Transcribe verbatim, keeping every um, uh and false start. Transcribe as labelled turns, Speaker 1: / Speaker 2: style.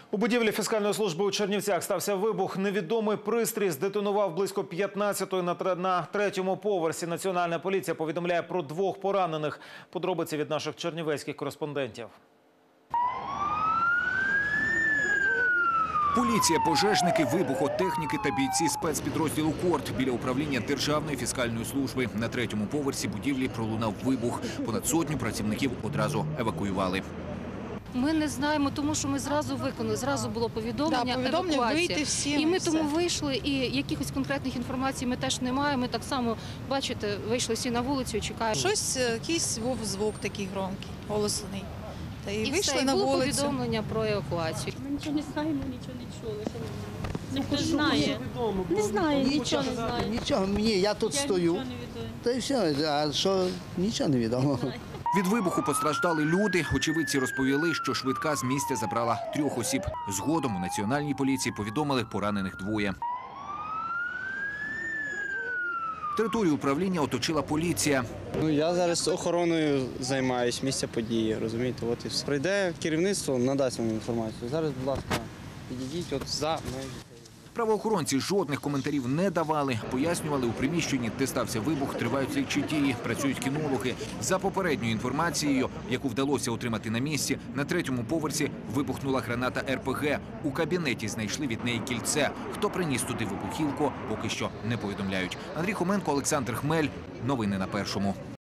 Speaker 1: У будівлі фіскальної служби у Чернівцях стався вибух. Невідомий пристрій здетонував близько п'ятнадцятої на третьому поверсі. Національна поліція повідомляє про двох поранених. Подробиці від наших чернівецьких кореспондентів.
Speaker 2: Поліція, пожежники, вибухотехніки та бійці спецпідрозділу «Корт» біля управління Державної фіскальної служби. На третьому поверсі будівлі пролунав вибух. Понад сотню працівників одразу евакуювали.
Speaker 3: Ми не знаємо, тому що ми зразу виконали, зразу було повідомлення,
Speaker 4: да, повідомлення
Speaker 3: евакуація.
Speaker 4: Вийти всім,
Speaker 3: і ми
Speaker 4: все.
Speaker 3: тому вийшли, і якихось конкретних інформацій ми теж не маємо. Ми так само, бачите, вийшли всі на вулицю і чекаємо.
Speaker 4: Щось, якийсь був звук такий громкий, голосний. Та і,
Speaker 3: І
Speaker 4: вийшли
Speaker 3: все, і
Speaker 4: на
Speaker 3: було
Speaker 4: вулицю.
Speaker 3: повідомлення про евакуацію.
Speaker 5: Ми нічого не знаємо, нічого не чули. Ніхто не знає. Не знає, нічого не знає.
Speaker 6: Нічого, мені, я тут
Speaker 5: Я
Speaker 6: стою.
Speaker 5: нічого не відаю.
Speaker 6: Та й все, а що, нічого не відомо.
Speaker 2: Від вибуху постраждали люди. Очевидці розповіли, що швидка з місця забрала трьох осіб. Згодом у Національній поліції повідомили поранених двоє. Територію управління оточила поліція.
Speaker 7: Ну, я зараз охороною займаюся місця події, розумієте, от і все. Прийде керівництво, надасть вам інформацію. Зараз, будь ласка, підійдіть от за межі.
Speaker 2: Правоохоронці жодних коментарів не давали. Пояснювали, у приміщенні, де стався вибух, тривають слідчі дії, працюють кінологи. За попередньою інформацією, яку вдалося отримати на місці, на третьому поверсі вибухнула граната ер пе ге. У кабінеті знайшли від неї кільце. Хто приніс туди вибухівку, поки що не повідомляють. Андрій Хоменко, Олександр Хмель. Новини на Першому.